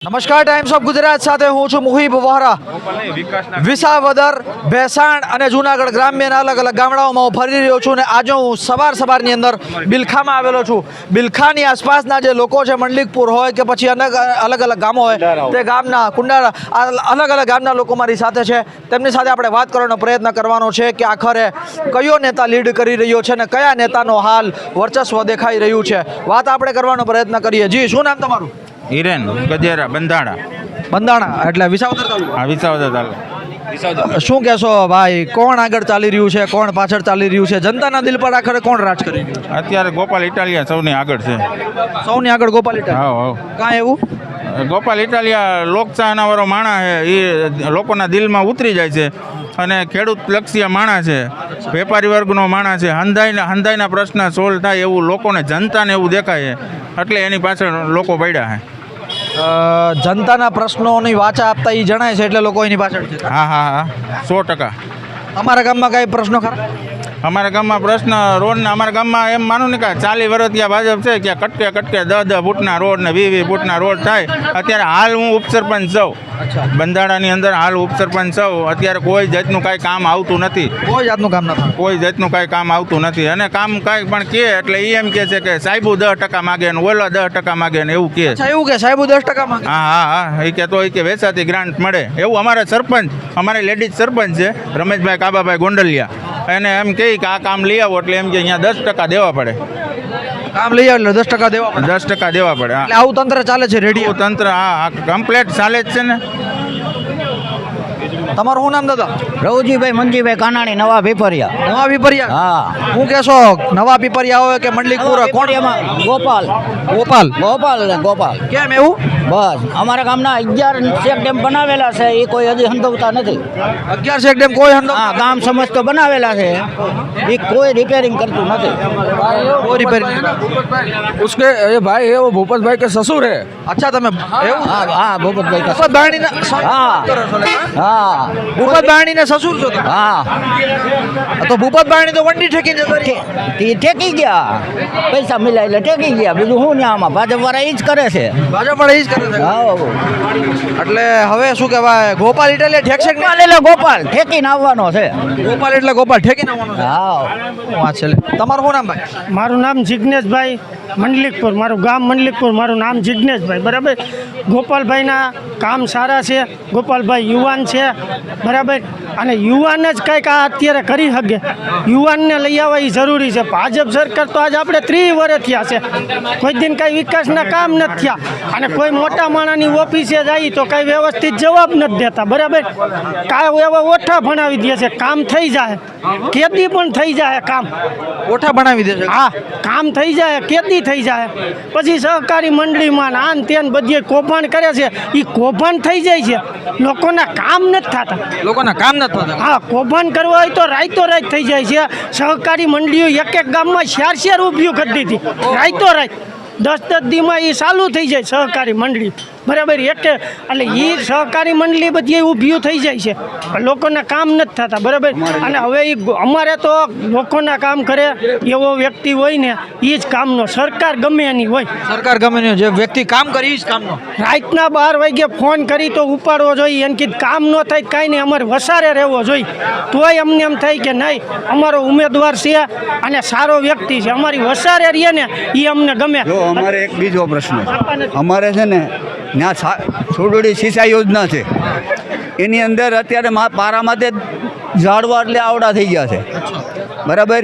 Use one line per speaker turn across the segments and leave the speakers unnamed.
નમસ્કાર, times of Gujarat સાથે હું છું મુહિબ વોહરા. વિસાવદર, ભેસાણ અને જૂનાગઢ ગ્રામ્યના અલગ અલગ ગામડાઓમાં હું ફરી રહ્યો છું. અને આજે હું સવારની અંદર બિલખામાં આવેલો છું. બિલખાની આસપાસના જે લોકો છે, મંડલિકપુર હોય કે પછી અલગ અલગ ગામો હોય, તે ગામના કુંડાળા અલગ અલગ ગામના લોકો મારી સાથે છે. તેમની સાથે આપણે વાત કરવાનો પ્રયત્ન કરવાનો છે કે આખરે કયો નેતા લીડ કરી રહ્યો છે અને કયા નેતાનો હાલ વર્ચસ્વ દેખાઈ રહ્યું છે. વાત આપણે કરવાનો પ્રયત્ન કરીએ. જી, શું નામ તમારું?
હિરેન ગજેરા બંધાણા.
બંધાણા એટલે વિસાવદર તાલુકો.
હા, વિસાવદર તાલુકો.
શું કહેશો ભાઈ, કોણ આગળ ચાલી રહ્યું છે, કોણ પાછળ ચાલી રહ્યું છે? જનતાના દિલ પર આખરે કોણ રાજ કરી રહ્યું છે?
અત્યારે ગોપાલ ઇટાલિયા સૌની આગળ છે.
સૌની આગળ ગોપાલ ઇટાલિયા.
હા હા.
કાંઈ એવું?
ગોપાલ ઇટાલિયા લોકચાહના વાળો માણસ છે. એ લોકોના દિલમાં ઉતરી જાય છે અને ખેડૂત લક્ષીય માણસ છે, વેપારી વર્ગનો માણસ છે. હંધાઈના પ્રશ્ન સોલ્વ થાય એવું લોકોને, જનતાને એવું દેખાય છે, એટલે એની પાછળ લોકો પડ્યા છે.
જનતાના પ્રશ્નોની વાચા આપતા એ જણાય છે એટલે લોકો એની પાછળ છે.
હા હા હા, 100%.
અમારા ગામમાં કઈ પ્રશ્નો ખરા?
અમારા ગામમાં પ્રશ્ન રોડના, અમારા ગામમાં એમ માનું ને કે 40 વર્ષ ત્યાં ભાજપ છે, કે કટકે 10 ફૂટના રોડ ને 20 ફૂટના રોડ થાય. અત્યારે હાલ હું ઉપસરપંચ છું બંધાણાની અંદર, હાલ ઉપસરપંચ છું. અત્યારે કોઈ જાતનું કાંઈ કામ આવતું નથી.
કોઈ જાતનું કામ નથી.
કોઈ જાતનું કાંઈ કામ આવતું નથી. અને કામ કાંઈ પણ કહે એટલે એ એમ કહે છે કે સાહેબુ 10% માગે ને ઓલા 10% માગે ને એવું કહે.
એવું કે સાહેબ 10% માંગે?
હા હા હા, એ કહેતો હોય કે વેચાતી ગ્રાન્ટ મળે એવું. અમારા સરપંચ, અમારી લેડીઝ સરપંચ છે રમેશભાઈ કાબાભાઈ ગોંડલિયા, એને એમ કહે કે આ કામ લઈ આવો એટલે એમ કે અહીંયા 10% દેવા પડે.
કામ લઈ આવે એટલે 10% દેવા પડે.
10% દેવા પડે. હા,
એટલે આવું તંત્ર ચાલે છે રેડિયો
તંત્ર. હા, કમ્પ્લેટ ચાલે જ છે ને.
તમારું શું નામ દાદા?
રવજીભાઈ મંજીભાઈ કાનાણી, નવા પીપરિયા.
નવા પીપરિયા.
હા,
હું કહેશો નવા પીપરિયા હોય કે મંડલિકપુર? કોણ?
ગોપાલ
ગોપાલ.
ગોપાલ ને ગોપાલ.
કેમ એવું?
બસ અમારા ગામના 11 ચેક ડેમ બનાવેલા છે, એ કોઈ હજી હંધવતા નથી.
11 ચેક ડેમ કોઈ હંધો?
હા, ગામ સમજ તો બનાવેલા છે, એ કોઈ રિપેરિંગ કરતું નથી.
કોઈ રિપેરિંગ?
उसके ये भाई है वो भूपत भाई के ससुर है।
અચ્છા, તમે એવું?
હા હા, ભૂપતભાઈ કા-
ભૂપત બારણીના
હા હા
ભૂપત બારણીના સસુર છો તમે?
હા,
તો ભૂપત બારણી તો વંડી ઠેકીને જતા રહ્યા.
તે ટેકી ગયા, પૈસા મિલાય એટલે ટેકી ગયા. બીજું શું ને આમાં ભાજપ વાળા એ જ કરે છે.
ભાજપ વાળા ઈ જ કરે છે.
હા,
એટલે હવે શું કહેવાય, ગોપાલ ઇટાલિયા ઠેકશે કે
ગોપાલ એટલે ગોપાલ ઠેકીને આવવાનો છે.
નહીં? ગોપાલ એટલે ગોપાલ ઠેકીને આવવાનો છે.
હા,
શું વાત છે લે. તમારું શું નામ ભાઈ?
મારું નામ જિજ્ઞેશભાઈ મંડલિકપુર, મારું ગામ મંડલિકપુર, મારું નામ જિજ્ઞેશભાઈ. બરાબર. ગોપાલભાઈના કામ સારા છે, ગોપાલભાઈ યુવાન છે, બરાબર. અને યુવાન જ કંઈક આ અત્યારે કરી શકે, યુવાનને લઈ આવવા એ જરૂરી છે. ભાજપ સરકાર તો આજ આપણે 30 વર્ષ થયા છે, કોઈ દિન કાંઈ વિકાસના કામ નથી થયા. અને કોઈ મોટા માણસની ઓફિસે જાય તો કાંઈ વ્યવસ્થિત જવાબ નથી દેતા, બરાબર. કાંઈ એવા ઓઠા ભણાવી દે છે, કામ થઈ જાય, ખેતી પણ થઈ જાય કામ.
ઓઠા બનાવી દેશે.
હા, કામ થઈ જાય, ખેતી થઈ જાય. પછી સહકારી મંડળીમાં આન તેન બધી કૌભાંડ કરે છે, એ કૌભાંડ થઈ જાય છે, લોકોના કામ નથી થતા.
લોકોના કામ નથી થતા.
હા, કૌભાંડ કરવા હોય તો રાત થઈ જાય છે. સહકારી મંડળીઓ એક ગામમાં 4 ઊભી કરી દીધી, રાત 10 દીમાં એ ચાલુ થઈ જાય સહકારી મંડળી, બરાબર. એટલે એ સહકારી મંડળી બધી ઊભી થઈ જાય છે, પણ લોકોના કામ નથી થતા, બરાબર. અને હવે એ અમારે તો લોકોના કામ કરે એવો વ્યક્તિ હોય ને એ જ કામનો. સરકાર ગમે એની હોય,
સરકાર ગમે તે જે વ્યક્તિ કામ કરી ઈ જ કામનો.
રાતના 12 વાગે ફોન કરી તો ઉપાડવો જોઈએ. એને કીધું કામ ન થાય કાંઈ નહીં, અમારે વસારે રહેવો જોઈએ. તોય અમને એમ થાય કે નહીં, અમારો ઉમેદવાર છે અને સારો વ્યક્તિ છે, અમારી વસારે રહીએ ને એ અમને ગમે.
જો અમારે એક બીજો પ્રશ્ન છે. અમારે છે ને ત્યાં છોડોડી સિંચાઈ યોજના છે, એની અંદર અત્યારે પારામાં તે ઝાડવા એટલે આવડા થઈ ગયા છે, બરાબર.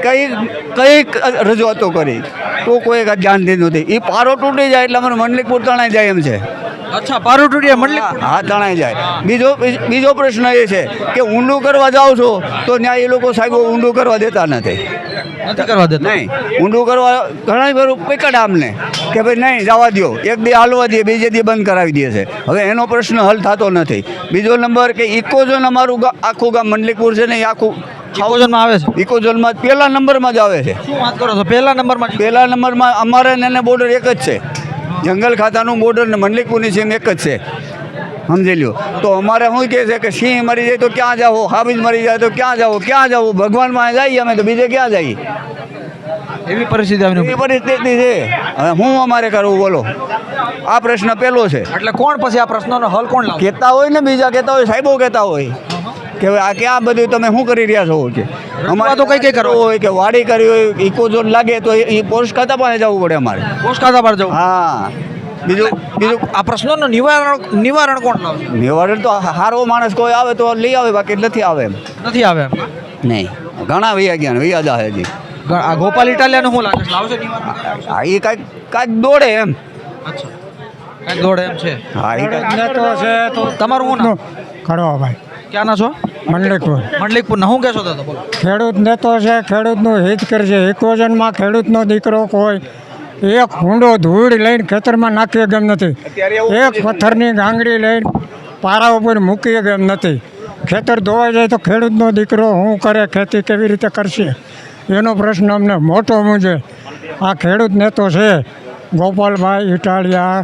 કઈ રજૂઆતો કરી તો કોઈ ધ્યાન દીધું નથી. એ પારો તૂટી જાય એટલે અમારે મંડલિકપુર તણાઈ જાય એમ છે.
અચ્છા, પારુટુડિયા મંડલિક.
હા, તણાઈ જાય. બીજો પ્રશ્ન એ છે કે ઊંડું કરવા જાઓ છો તો ત્યાં એ લોકો સાહેબ ઊંડું કરવા દેતા નથી.
નથી કરવા દેતા.
નહીં, ઊંડું કરવા ઘણા બધું પકડ આમને કે ભાઈ નહીં જવા દો, એક દી હાલવા દે, બીજે દી બંધ કરાવી દે છે. હવે એનો પ્રશ્ન હલ થતો નથી. બીજો નંબર કે ઇકોઝોન, અમારું આખું ગામ મંડલિકપુર છે ને, એ આખું
ઇકોઝોનમાં આવે છે.
ઇકોઝોનમાં પહેલા નંબરમાં જ આવે છે.
શું વાત કરો છો? પહેલા નંબરમાં?
પહેલા નંબરમાં અમારે ને એને બોર્ડર એક જ છે, જંગલ ખાતાનું બોર્ડર ને મંડલિકપુરની સીમ એક જ છે, સમજી લ્યો. તો અમારે શું કહે છે કે સિંહ મરી જાય તો ક્યાં જાઓ, હાબીજ મરી જાય તો ક્યાં જાઓ, ભગવાનમાં જઈએ અમે તો બીજે ક્યાં જઈએ?
એવી પરિસ્થિતિ આવી.
એવી પરિસ્થિતિ છે. હવે હું અમારે કરવું બોલો? આ પ્રશ્ન પહેલો છે.
એટલે કોણ પછી આ પ્રશ્નનો હલ કોણ લાવે?
કહેતા હોય ને બીજા કહેતા હોય, સાહેબો કહેતા હોય કે હવે આ ક્યાં બધું તમે શું કરી રહ્યા છો કે અમારે
તો કઈ કરો
હોય કે વાડી કરી હોય, ઇકોઝોન લાગે તો એ પોસ્ટ ખાતા પાસે જવું પડે અમારે.
પોસ્ટ ખાતા પર જવું.
હા, બીજું
આ પ્રશ્નોનું નિવારણ કોણ લાવશે?
નિવારણ તો સારો માણસ કોઈ આવે તો લઈ આવે, બાકી નથી આવે એમ.
નથી આવે એમ.
નહીં, ઘણા વૈયા ગયા ને વૈયા જાય હજી.
આ ગોપાલ ઇટાલિયાનું શું લાગે છે? લાવશે નિવારણ?
હા, એ કાંઈક દોડે એમ.
અચ્છા, કાંઈક દોડે એમ છે.
હા, એ કાંઈક
તમારું શું નામ?
ખડવાભાઈ
ક્યાંના છો?
મંડલિકપુર.
મંડલિકપુરના શું કહેશો દાદા? બોલો.
ખેડૂત નેતો છે, ખેડૂતનું હિત કરશે. ઇકોઝનમાં ખેડૂતનો દીકરો કોઈ એક હુંડો ધૂળ લઈને ખેતરમાં નાખીએ ગમ નથી, એક પથ્થરની ગાંગડી લઈને પારા ઉપર મૂકીએ ગમ નથી. ખેતર ધોવાઈ જાય તો ખેડૂતનો દીકરો શું કરે, ખેતી કેવી રીતે કરશે, એનો પ્રશ્ન અમને મોટો મૂંઝે. આ ખેડૂત નેતો છે ગોપાલભાઈ ઇટાલિયા,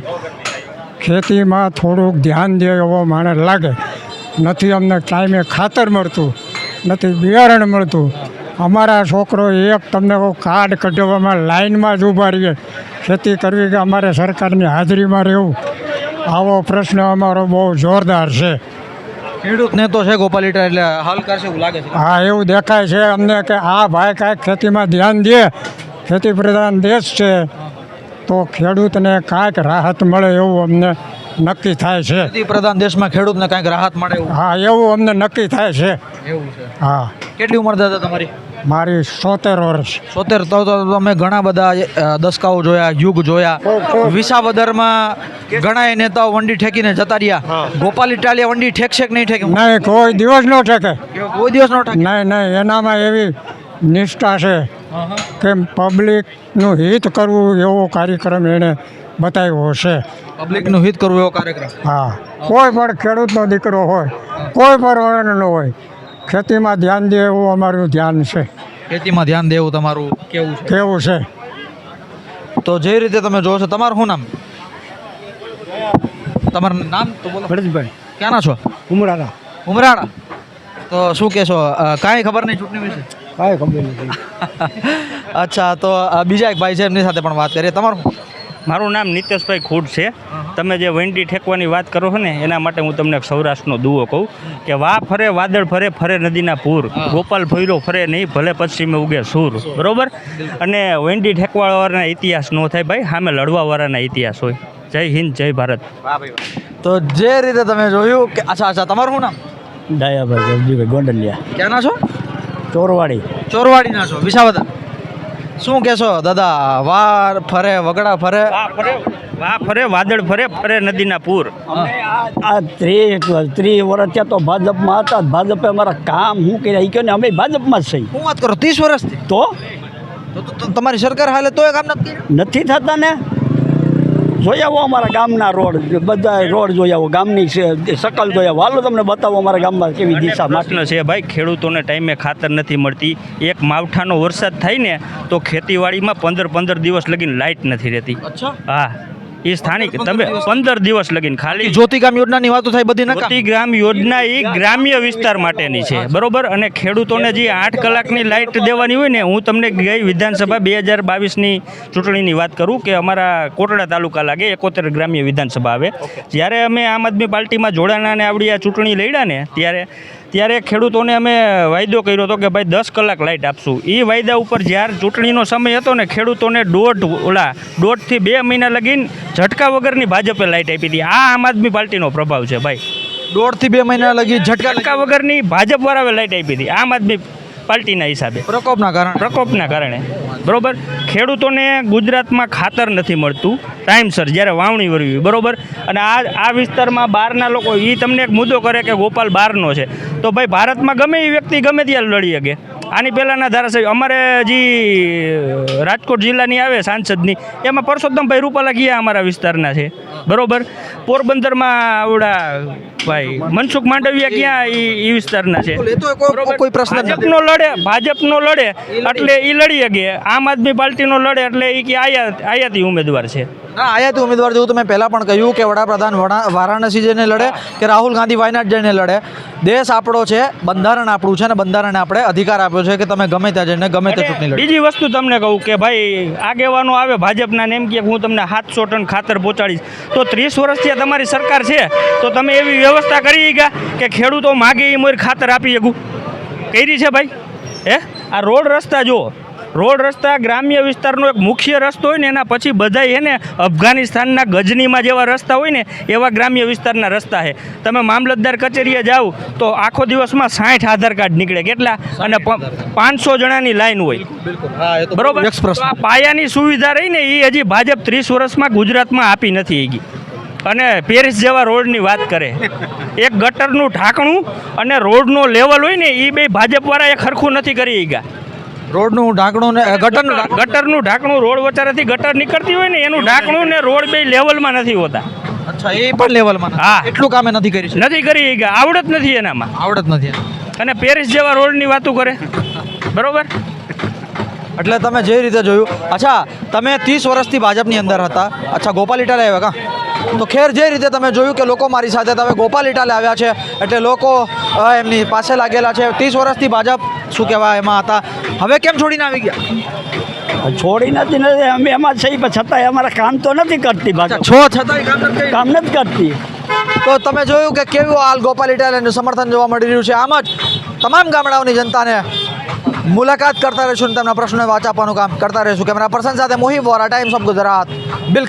ખેતીમાં થોડુંક ધ્યાન દે એવો મને લાગે. નથી અમને ટાઈમે ખાતર મળતું, નથી બિયારણ મળતું. અમારા છોકરો એક તમને કાર્ડ કઢાવવામાં લાઈનમાં જ ઊભા રહીએ ખેતી કરવી કે અમારે સરકારની હાજરીમાં રહેવું. આવો પ્રશ્ન અમારો બહુ જોરદાર છે.
ખેડૂત નેતો છે ગોપાલ ઇટાલિયા, એટલે હલ કરશે એવું લાગે છે.
હા, એવું દેખાય છે અમને કે આ ભાઈ કાંઈક ખેતીમાં ધ્યાન દે, ખેતી પ્રધાન દેશ છે તો ખેડૂતને કાંઈક રાહત મળે એવું અમને નક્કી થાય છે.
ખેતી પ્રધાન દેશમાં ખેડૂતને કાંઈક રાહત મળે એવું.
હા, એવું અમને નક્કી થાય છે.
એવું છે.
હા,
કેટલી ઉંમર દાદા તમારી?
મારી 70 વર્ષ.
70. તો તમે ઘણા બધા દસકાઓ જોયા, યુગ જોયા. વિસાવદરમાં ઘણા નેતાઓ વંડી ઠેકીને જતા રહ્યા. ગોપાલ ઇટાલિયા વંડી ઠેકશે કે નહીં ઠેકે?
નહીં, કોઈ દિવસ ન ઠેકે.
કોઈ દિવસ ન ઠેકે.
નહીં નહીં, એનામાં એવી નિષ્ઠા છે કે પબ્લિકનું હિત કરવું એવો કાર્યક્રમ એણે બતાવ્યો છે.
પબ્લિકનું હિત કરવું એવો કાર્યક્રમ.
હા, કોઈ પણ ખેડૂતનો દીકરો હોય, કોઈ પણ વર્ણનો હોય, ખેતીમાં ધ્યાન દે એવું અમારું ધ્યાન છે.
ખેતીમાં ધ્યાન દેવું તમારું કેવું છે?
કેવું છે?
તો જે રીતે તમે જોવો છો, તમારું શું નામ? તમારું નામ તો બોલો.
ભરતભાઈ
ક્યાંના છો?
ઉમરાળા.
ઉમરાળા. તો શું કહેશો? કાંઈ ખબર નહીં ચૂંટણી વિશે?
કાંઈ ખબર નથી.
અચ્છા, તો બીજા એક ભાઈ છે, એમની સાથે પણ વાત કરીએ. તમારું શું?
મારું નામ નિતેશભાઈ ખૂટ છે. તમે જે વંડી ઠેકવાની વાત કરો છો ને, એના માટે હું તમને એક સૌરાષ્ટ્રનો દુઓ કહું કે વાહ ફરે વાદળ ફરે, ફરે નદીના પૂર, ગોપાલ ભૈરો ફરે નહીં, ભલે પશ્ચિમે ઉગે સૂર. બરોબર. અને વંડી ઠેકવાવાળાના ઇતિહાસ ન થાય ભાઈ, સામે લડવાવાળાના ઇતિહાસ હોય. જય હિન્દ, જય ભારત.
તો જે રીતે તમે જોયું કે અચ્છા, તમારું શું નામ?
ડાયાભાઈ ગરજીભાઈ ગોંડલિયા.
ક્યાંના છો?
ચોરવાડી.
ચોરવાડીના છો, વિસાવદર. શું કહેશો દાદા? વાર ફરે વગડા ફરે,
વાહ ફરે વાદળ ફરે, ફરે નદીના પૂર.
આ 30 વર્ષ ત્યાં તો ભાજપમાં હતા. ભાજપે અમારા કામ શું કર્યા એ કહો ને, અમે ભાજપમાં જ છીએ.
હું વાત કરું 30 વર્ષથી.
તો
તમારી સરકાર હાલે તોય કામ નથી કર્યું?
નથી થતા ને. જોઈ આવો અમારા ગામના રોડ, બધા રોડ જોઈ આવો, ગામની શકલ જોઈ આવો. હાલો તમને બતાવો અમારા ગામમાં કેવી દિશા
પ્રશ્ન છે ભાઈ, ખેડૂતોને ટાઈમે ખાતર નથી મળતી. એક માવઠાનો વરસાદ થાય ને તો ખેતીવાડીમાં 15 દિવસ લગીને લાઇટ નથી રહેતી.
અચ્છા.
હા, એ સ્થાનિક તમે 15 દિવસ લગીને ખાલી
જ્યોતિગ્રામ યોજનાની વાતો થાય બધી નકામ.
જ્યોતિગ્રામ યોજના એ ગ્રામ્ય વિસ્તાર માટેની છે. બરોબર. અને ખેડૂતોને જે 8 કલાકની લાઇટ દેવાની હોય ને, હું તમને ગઈ વિધાનસભા 2022ની ચૂંટણીની વાત કરું કે અમારા કોટડા તાલુકા લાગે 71 ગ્રામ્ય વિધાનસભા આવે. જ્યારે અમે આમ આદમી પાર્ટીમાં જોડાણા અને આવડી આ ચૂંટણી લડ્યા ને, ત્યારે ખેડૂતોને અમે વાયદો કર્યો હતો કે ભાઈ 10 કલાક લાઇટ આપશું. એ વાયદા ઉપર જ્યારે ચૂંટણીનો સમય હતો ને, ખેડૂતોને 1.5 થી 2 મહિના લગીને ઝટકા વગરની ભાજપે લાઇટ આપી હતી. આ આમ આદમી પાર્ટીનો પ્રભાવ છે ભાઈ.
1.5 થી 2 મહિના લગી
ઝટકા વગરની ભાજપવાળાએ લાઇટ આપી હતી આમ આદમી પાર્ટીના હિસાબે, પ્રકોપના કારણે. બરોબર. ખેડૂતોને ગુજરાતમાં ખાતર નથી મળતું ટાઈમસર જ્યારે વાવણી કરવી. બરોબર. અને આ વિસ્તારમાં બહારના લોકો એ તમને એક મુદ્દો કરે કે ગોપાલ બહારનો છે, તો ભાઈ ભારતમાં ગમે એ વ્યક્તિ ગમે ત્યાં લડી શકે. આની પહેલાંના ધારાસભ્ય અમારે જે રાજકોટ જિલ્લાની આવે સાંસદની, એમાં પરસોત્તમભાઈ રૂપાલા ગયા અમારા વિસ્તારના છે. બરોબર. પોરબંદરમાં આવડા ભાઈ મનસુખ માંડવિયા ક્યાં એ વિસ્તારના છે.
કોઈ પ્રશ્ન
ભાજપનો લડે એટલે એ લડી શકે. આમ આદમી પાર્ટીનો લડે એટલે એ કે આયાતી ઉમેદવાર છે.
ના, આયાતી ઉમેદવાર જેવું તમે પહેલાં પણ કહ્યું કે વડાપ્રધાન વારાણસી જઈને લડે કે રાહુલ ગાંધી વાયનાડ જઈને લડે. દેશ આપણો છે, બંધારણ આપણું છે, અને બંધારણે આપણે અધિકાર આપ્યો છે કે તમે ગમે ત્યાં જઈને ગમે તે ચૂંટણી લડો.
બીજી વસ્તુ તમને કહું કે ભાઈ આગેવાનો આવે ભાજપના ને એમ કે હું તમને 700 ટન ખાતર પહોંચાડીશ, તો 30 વર્ષથી આ તમારી સરકાર છે તો તમે એવી વ્યવસ્થા કરી ગયા કે ખેડૂતો માગે એ મોર ખાતર આપી શકું કરી છે ભાઈ? આ રોડ રસ્તા જુઓ, રોડ રસ્તા ગ્રામ્ય વિસ્તારનો એક મુખ્ય રસ્તો હોય ને એના પછી બધાય છે ને અફઘાનિસ્તાનના ગજનીમાં જેવા રસ્તા હોય ને એવા ગ્રામ્ય વિસ્તારના રસ્તા છે. તમે મામલતદાર કચેરીએ જાઓ તો આખો દિવસમાં 60 આધાર કાર્ડ નીકળે, કેટલા? અને 500 જણાની લાઈન હોય, બરોબર? તો આ પાયાની સુવિધા રહી ને એ હજી ભાજપ 30 વર્ષમાં ગુજરાતમાં આપી નથી ગઈ. અને પેરિસ જેવા રોડની વાત કરે, એક ગટરનું ઢાંકણું અને રોડનો લેવલ હોય ને એ બે ભાજપવાળા એક સરખું નથી કરી ગયા.
રોડનું ઢાંકણું ને
ગટરનું ઢાંકણું, રોડ વચારેથી ગટર નીકળતી હોય ને એનું ઢાંકણું ને રોડ બે લેવલમાં નથી હોતા.
અચ્છા, એ પણ લેવલમાં?
હા,
એટલું કામે નથી કરી છે.
નથી કરી ગયા, આવડત નથી એનામાં,
આવડત નથી.
અને પેરિસ જેવા રોડની વાતો કરે, બરોબર?
એટલે તમે જે રીતે જોયું. અચ્છા, તમે 30 વર્ષથી ભાજપની અંદર હતા. અચ્છા, ગોપાલ ઇટાલે આવ્યા કા? તો ખેર જે રીતે તમે જોયું કે લોકો મારી સાથે, તમે ગોપાલ ઇટાલે આવ્યા છે એટલે લોકો એમની પાસે લાગેલા છે. 30 વર્ષથી ભાજપ શું કહેવાય એમાં હતા, હવે કેમ છોડીને આવી ગયા?
છોડી નથી, અમે એમાં જ છીએ, પણ છતાંય અમારા કામ તો નથી કરતી ભાજપ.
છો છતાંય કામ નથી
કરતી.
તો તમે જોયું કે કેવું હાલ ગોપાલ ઇટાલેનું સમર્થન જોવા મળી રહ્યું છે. આમ જ તમામ ગામડાઓની જનતાને મુલાકાત કરતા રહીશું અને તેમના પ્રશ્નોને વાચ આપવાનું કામ કરતા રહીશું. કેમેરા પર્સન સાથે મોહિબ વોરા, ટાઈમ્સ ઓફ ગુજરાત, બિલખા.